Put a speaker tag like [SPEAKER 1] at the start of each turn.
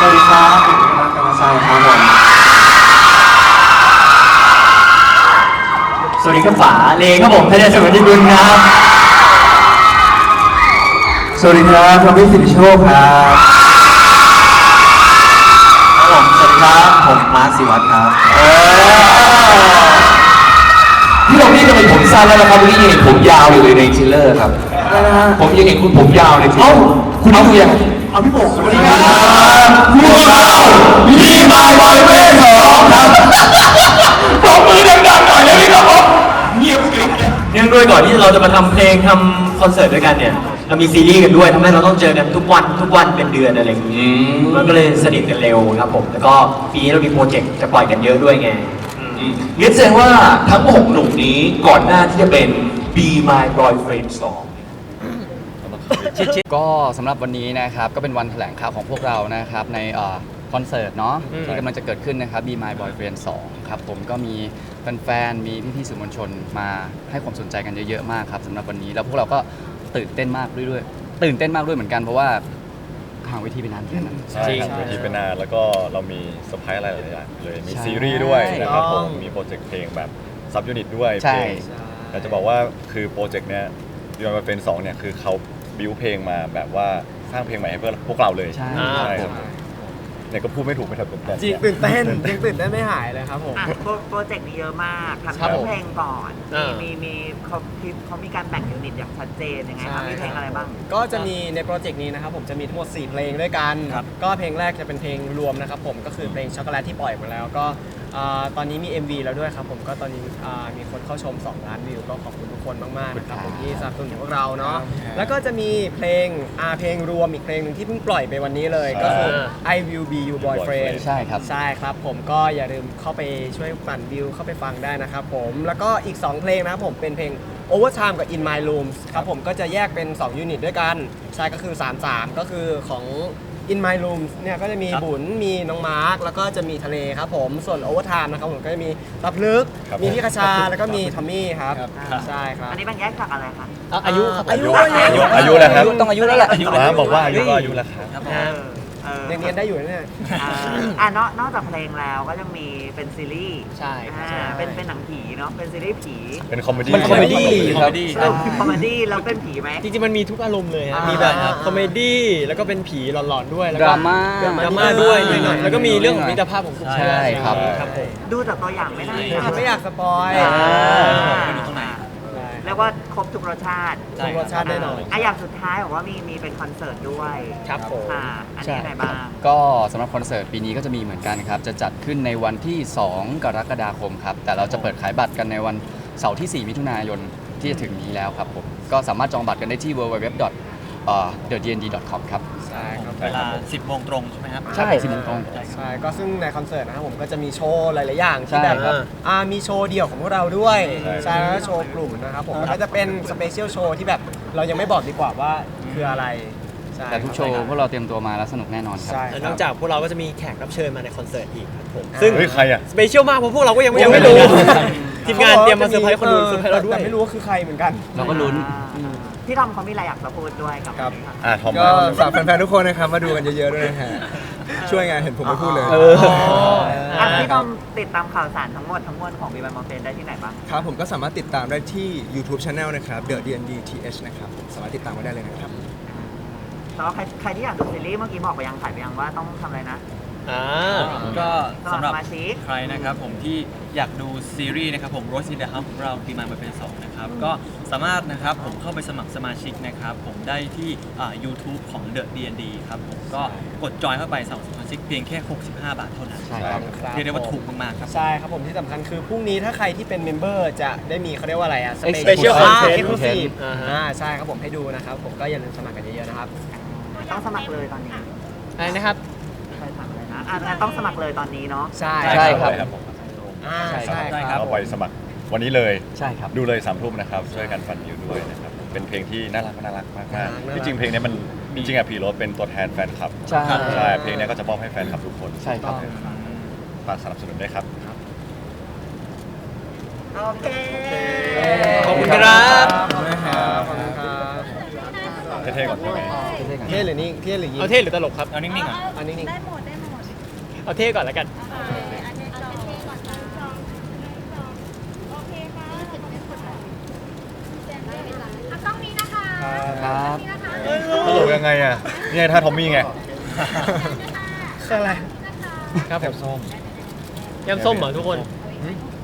[SPEAKER 1] วัสดีครับผมรักกรรมชัยครับผม
[SPEAKER 2] สวัสดีครับป๋าเลครับผมท่านสวัสดีคุณครับ
[SPEAKER 1] สวัสดีครับทอมมี่สิริโชคครับ
[SPEAKER 2] ผมสวัสดีครับผมมาร์คศิวัตรครับ
[SPEAKER 3] พี่เรานี่ทำไมผมสั้นแล้วนะครับวันนี้ยังเห็นผมยาวอยู่เลยในทริลเลอร์ครับผมยังเห็นคุณผมยาวในทริลเลอร์คุณดูยัง
[SPEAKER 1] เอาพี่โบกสวัสดีค
[SPEAKER 3] ค
[SPEAKER 1] รั
[SPEAKER 3] รับบพวกเราลีมายบอยเวทสองครับตบมือดังๆหน่อยได้ไหมครับผมเงียบกริบ
[SPEAKER 2] เนื่องด้วยก่อนที่เราจะมาทำเพลงทำคอนเสิร์ตด้วยกันเนี่ยเรามีซีรีส์กันด้วยทำให้เราต้องเจอกันทุกวันเป็นเดือนอะไรอย่างนี้มันก็เลยสนิทกันเร็วครับผมแล้วก็ปีนี้เรามีโปรเจกต์จะปล่อยกันเยอะด้วยไง
[SPEAKER 3] งั้นแสดงว่าทั้ง6หนุ่มนี้ก่อนหน้าที่จะเป็น Be My Boyfriend 2
[SPEAKER 4] ก็สำหรับวันนี้นะครับก็เป็นวันแถลงข่าวของพวกเรานะครับในคอนเสิร์ตเนาะที่กำลังจะเกิดขึ้นนะครับ Be My Boyfriend 2ครับผมก็มีแฟนๆมีพี่ๆสื่อมวลชนมาให้ความสนใจกันเยอะๆมากครับสำหรับวันนี้แล้วพวกเราก็ตื่นเต้นมากด้วยเหมือนกันเพราะว่าห่างเวทีไปนานแค่นั้น
[SPEAKER 5] ใช่ครับเวทีเป็นนานแล้วก็เรามีเซอร์ไพรส์อะไรหลายอย่างเลยมีซีรีส์ด้วยนะครับผมมีโปรเจกต์เพลงแบบซับยูนิตด้วยเพลงอยากจะบอกว่าคือโปรเจกต์เนี้ยยูนิตเป็น2เนี่ยคือเขาบิวเพลงมาแบบว่าสร้างเพลงใหม่ให้เพื่อพวกเราเลยใช่ครับเนี่ยก็พูดไม่ถูกไม่ทันแต่
[SPEAKER 1] จริงตื่นเต้นยังตื่นเต้นไม่หายเลยครับผม
[SPEAKER 6] โปรเจกต์นี้เยอะมากทำเพลงก่อนมีเขามีการแบ่งยูนิตอย่างชัดเจนยังไงครับมีเพลงอะไรบ้าง
[SPEAKER 1] ก็จะมีในโปรเจกต์นี้นะครับผมจะมีทั้งหมด4เพลงด้วยกันก็เพลงแรกจะเป็นเพลงรวมนะครับผมก็คือเพลงช็อกโกแลตที่ปล่อยมาแล้วก็ตอนนี้มี MV แล้วด้วยครับผมก็ตอนนี้มีคนเข้าชม2 ล้านวิวก็ขอบคุณทุกคนมากๆนะครับผมที่สนับสนุนพวกเราเนาะแล้วก็จะมีเพลงรวมอีกเพลงหนึ่งที่เพิ่งปล่อยไปวันนี้เลยก็คือ I Will Be Your Boyfriend
[SPEAKER 4] ใช่ครับ
[SPEAKER 1] ผมก็อย่าลืมเข้าไปช่วยปั่นวิวเข้าไปฟังได้นะครับผมแล้วก็อีก2เพลงนะครับผมเป็นเพลง Overtime กับ In My Room ครับผมก็จะแยกเป็น2ยูนิตด้วยกันใช่ก็คือ33ก็คือของIn My Room เนี่ยก็จะมีบุญมีน้องมาร์คแล้วก็จะมีทะเลครับผมส่วน Overtime นะครับผมก็จะมีรับลึกมีพี่คชาแล้วก็มีทอมมี่ครับใช่ครับ
[SPEAKER 6] อันนี้มันแยกจากอะไรคะ
[SPEAKER 1] อายุแล้ว
[SPEAKER 3] ครับ
[SPEAKER 4] ต้องอายุแล้วแหละ
[SPEAKER 3] บอกว่าอายุก็อายุแล้วครับ
[SPEAKER 1] ยังเรียนได้อยู่เนี่ย
[SPEAKER 6] นอกจากเพลงแล้วก็ยังมีเป็นซีรีส์
[SPEAKER 1] ใช่
[SPEAKER 6] เป็นหนังผีเนาะเป็นซีรีส์ผี
[SPEAKER 3] เป็นคอมเมดี้
[SPEAKER 1] คอมเมดี้
[SPEAKER 6] แล้วเป็นผีไหม
[SPEAKER 1] จริงๆมันมีทุกอารมณ์เลยมีแบบคอมเมดี้แล้วก็เป็นผีหลอนๆด้วยแล้วก็
[SPEAKER 4] ดราม่า
[SPEAKER 1] ด้วยแล้วก็มีเรื่องของมิตรภาพของกลุ่มเพื่อน
[SPEAKER 4] ใช่ครับ
[SPEAKER 6] ดูจากตัวอย่างไม่ได้
[SPEAKER 1] ไม่อยากสปอย
[SPEAKER 6] เรียกว่าครบทุกรสชาติ
[SPEAKER 1] แน่นอน
[SPEAKER 6] อย่างสุดท้ายบอกว่ามีเป็นคอนเสิร์ตด้วย
[SPEAKER 1] ครับผม
[SPEAKER 6] อันนี้อะไรบ้าง
[SPEAKER 4] ก็สำหรับคอนเสิร์ตปีนี้ก็จะมีเหมือนกันครับจะจัดขึ้นในวันที่2 กรกฎาคมครับแต่เราจะเปิดขายบัตรกันในวันเสาร์ที่4 มิถุนายนที่จะถึงนี้แล้วครับผมก็สามารถจองบัตรกันได้ที่ www.thednd.com ครับ
[SPEAKER 1] ใช่ครับ
[SPEAKER 2] เวลา 10 โมงตรงใช่ไหมครับ
[SPEAKER 4] ใช่ 10 โมงตรง
[SPEAKER 1] ใช่ก็ซึ่งในคอนเสิร์ตนะครับผมก็จะมีโชว์หลายๆอย่างที่แบบมีโชว์เดี่ยวของพวกเราด้วยใช่แล้วก็โชว์กลุ่มนะครับผมก็จะเป็นสเปเชียลโชว์ที่แบบเรายังไม่บอกดีกว่าว่าคืออะไร
[SPEAKER 4] แต่ทุกโชว์พวกเราเตรียมตัวมาแล้วสนุกแน่นอนครับ
[SPEAKER 1] นอกจากพวกเราก็จะมีแขกรับเชิญมาในคอนเสิร์ตอีกครับผม
[SPEAKER 3] ซึ่งใครอะ
[SPEAKER 1] สเปเชียลมากเพราะพวกเราก็ยังไม่รู้ทีมงานเตรียมมาเซอร์ไพรส์คนดูเซอร์ไพรส์เราด้วยแต่ไม่รู้ว่าคือใครเหมือนกัน
[SPEAKER 4] เราก็ลุ้น
[SPEAKER 6] พี่ทอมเขามีอะไรอยากจะพูดด้วยกับ
[SPEAKER 3] ทอม
[SPEAKER 1] ก็ฝากแฟนๆทุกคนนะครับมาดูกันเยอะๆด้วยนะฮะช่วยงานเห็นผมไม่พูดเลย
[SPEAKER 6] พี่ทอมติดตามข่าวสารทั้งหมดของ Be My Boyfriend ได้ที่ไหนบ้าง
[SPEAKER 1] ครับผมก็สามารถติดตามได้ที่ YouTube Channel นะครับ The DND TH นะครับสามารถติดตามไว้ได้เลยนะครับ
[SPEAKER 6] แล้วใครที่อยากดูซีรีส์เมื่อกี้บอกไปยังถ่ายไปยังว่าต้องทำอะไรนะ
[SPEAKER 2] ก็สำหรับใครนะครับผมที่อยากดูซีรีส์นะครับผม Rose in the House ของเรา Be My Boyfriend 2นะครับก็สามารถนะครับผมเข้าไปสมัครสมาชิกนะครับผมได้ที่YouTube ของ The D&D ครับผมก็กดจอยเข้าไปสมัครสมาชิกเพียงแค่65 บาทเท่านั้น
[SPEAKER 4] ใช่ครับ
[SPEAKER 2] เรียกได้ว่าถูกมากๆครับ
[SPEAKER 1] ใช่ครับผมที่สำคัญคือพรุ่งนี้ถ้าใครที่เป็นเมมเบอร์จะได้มีเขาเรียกว่าอะไรอะ
[SPEAKER 4] Special Content
[SPEAKER 1] ใช่ครับผมให้ดูนะครับผมก็อย่าลืมสมัครกันเยอะๆนะครับ
[SPEAKER 6] ต้องสมัครเลยตอนนี้
[SPEAKER 1] อะไรนะครับ
[SPEAKER 6] ต้องสมัครเลยตอนนี้เนาะ
[SPEAKER 1] ใช่
[SPEAKER 4] ครับ
[SPEAKER 1] ใช่ครับ
[SPEAKER 3] เอาไปสมัครวันนี้เลย
[SPEAKER 4] ใช่ครับ
[SPEAKER 3] ดูเลย3 ทุ่มนะครับช่วยกันฟันวิวด้วยนะครับเป็นเพลงที่น่ารักมากๆที่จริงเพลงนี้มันจริงๆพีโรสเป็นตัวแทนแฟนคลับ
[SPEAKER 4] ใช่
[SPEAKER 3] เพลงนี้ก็จะมอบให้แฟนคลับทุกคน
[SPEAKER 4] ใช่ครับ
[SPEAKER 3] ฝากสนับสนุนด้วยครับ
[SPEAKER 6] โอเค
[SPEAKER 1] ขอบคุณครับ
[SPEAKER 3] เท่ๆก่อนใช่ไหม
[SPEAKER 1] เท่หรือนิ่งเท่หรือยิ้ม
[SPEAKER 2] เอาเท่หรือตลกครับเอานิ่งๆอ่ะ
[SPEAKER 1] เอานิ่ง
[SPEAKER 7] ได้หมดเอาเท่ก่อนแล้วกัน
[SPEAKER 8] ต้องนี้นะคะ
[SPEAKER 4] ครับ
[SPEAKER 5] ตลกยังไงอ่ะนี่ไงท่าทอมมี่ไง
[SPEAKER 1] คืออะไร
[SPEAKER 7] ครับผม
[SPEAKER 5] ส้ม
[SPEAKER 7] ยำส้มเหรอทุกคน
[SPEAKER 5] อืม